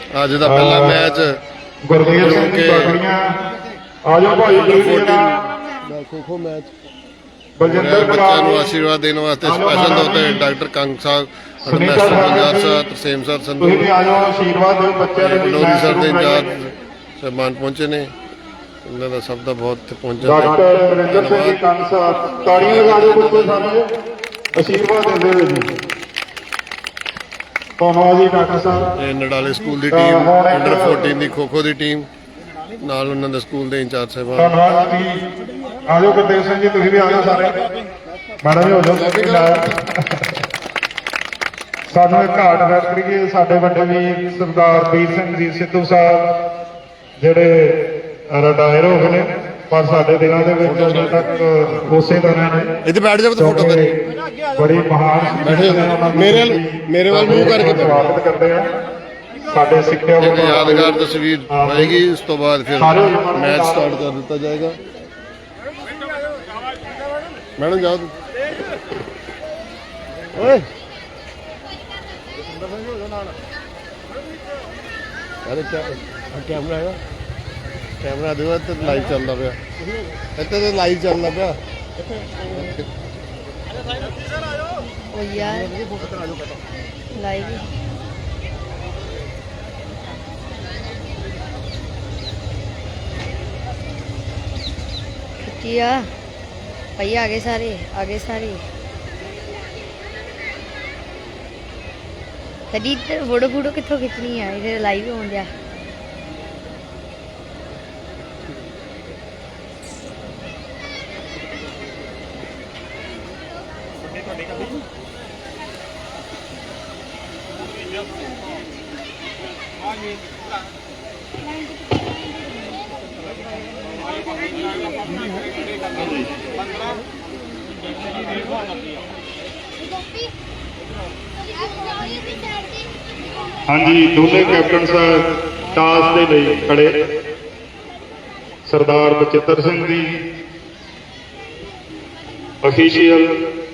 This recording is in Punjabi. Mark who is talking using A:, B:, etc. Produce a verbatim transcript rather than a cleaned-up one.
A: ਅੱਜ ਦਾ ਪਹਿਲਾ ਮੈਚ
B: ਗੁਰਮੀਤ ਸਿੰਘ ਦੀ ਬਾਗੜੀਆਂ ਆ ਜਾਓ ਭਾਈ ਜੀ
A: ਦਾ ਖੋ-ਖੋ ਮੈਚ
B: ਬਲਜਿੰਦਰ
A: ਬੱਚਿਆਂ ਨੂੰ ਆਸ਼ੀਰਵਾਦ ਦੇਣ ਵਾਸਤੇ ਸਪੈਸ਼ਲ ਤੌਰ ਤੇ ਡਾਕਟਰ ਕੰਗ ਸਾਹਿਬ ਮਾਸਟਰ ਪੰਜਾਬ ਸਾਹਿਬ ਤਰਸੇਮ ਸਰ ਸੰਧੂ
B: ਤੁਸੀਂ ਵੀ ਆ ਜਾਓ ਆਸ਼ੀਰਵਾਦ ਦਿਓ ਬੱਚਿਆਂ ਦੇ
A: ਲੋਰੀ ਸਰ ਦੇ ਇੰਚਾਰਜ ਸਹਿਬਾਨ ਪਹੁੰਚੇ ਨੇ ਇਹਨਾਂ ਦਾ ਸਭ ਦਾ ਬਹੁਤ ਪਹੁੰਚਣ
B: ਡਾਕਟਰ ਨਰਿੰਦਰ ਸਿੰਘ ਜੀ ਕੰਗ ਸਾਹਿਬ ਤਾੜੀਆਂ ਲਗਾ ਦਿਓ ਬੱਚੇ ਸਾਨੂੰ ਆਸ਼ੀਰਵਾਦ ਦਿੰਦੇ ਹੋਏ ਜੀ ਧੰਨਵਾਦ ਜੀ ਡਾਕਟਰ ਸਾਹਿਬ।
A: ਇਹ ਨਡਾਲੇ ਸਕੂਲ ਦੀ ਟੀਮ ਅੰਡਰ ਚੌਦਾਂ ਦੀ ਖੋ-ਖੋ ਦੀ ਟੀਮ ਨਾਲ ਉਹਨਾਂ ਦੇ ਸਕੂਲ ਦੇ ਇੰਚਾਰਜ ਸਾਹਿਬਾਨ
B: ਧੰਨਵਾਦ ਜੀ। ਆ ਜਾਓ ਗੁਰਦੇਵ ਸਿੰਘ ਜੀ ਤੁਸੀਂ ਵੀ ਆ ਜਾਓ ਸਾਰੇ ਮੈਡਮ ਵੀ ਹੋ ਜਾਓ। ਸਾਨੂੰ ਇੱਕ ਘਾਟ ਵੈਟ ਕਰੀਏ ਸਾਡੇ ਵੱਡੇ ਵੀ ਸਰਦਾਰ ਵੀਰ ਸਿੰਘ ਜੀ ਸਿੱਧੂ ਸਾਹਿਬ ਜਿਹੜੇ ਰਿਟਾਇਰ ਹੋ ਗਏ ਨੇ ਪਰ ਸਾਡੇ ਦਿਲਾਂ ਦੇ ਵਿੱਚ ਅਜੇ ਤੱਕ ਉਸੇ ਤਰ੍ਹਾਂ ਨੇ।
A: ਇੱਥੇ ਬੈਠ ਜਾ ਫੋਟੋ ਕਰੀ
B: ਬੜੀ ਮਹਾਨ
A: ਬੈਠੇ ਮੇਰੇ ਮੇਰੇ ਵੱਲ ਮੂੰਹ ਕਰਕੇ
B: ਸਵਾਗਤ ਕਰਦੇ ਆ ਸਾਡੇ ਸਿੱਖਿਆ
A: ਇੱਕ ਯਾਦਗਾਰ ਤਸਵੀਰ ਆਏਗੀ। ਇਸ ਤੋਂ ਬਾਅਦ ਫਿਰ ਮੈਚ ਸਟਾਰਟ ਕਰ ਦਿੱਤਾ ਜਾਏਗਾ। ਮੈਡਮ ਜਾਓ ਓਏ ਅਰੇ ਕੈਮਰਾ ਹੈਗਾ ਕੈਮਰਾ ਦੇ ਤੇ ਲਾਈਵ ਚੱਲਦਾ ਪਿਆ ਇੱਥੇ ਤੇ ਲਾਈਵ ਚੱਲਦਾ ਪਿਆ
C: ओ यार लाइव खिचिया भैया आगे सारे आगे सारे कदी फोटो फूटो कितों खिंचनी है इधर लाइव हो गया।
B: हाँ जी दोनों कैप्टन साहब टास के लिए खड़े सरदार बचित्र सिंह जी ऑफिशियल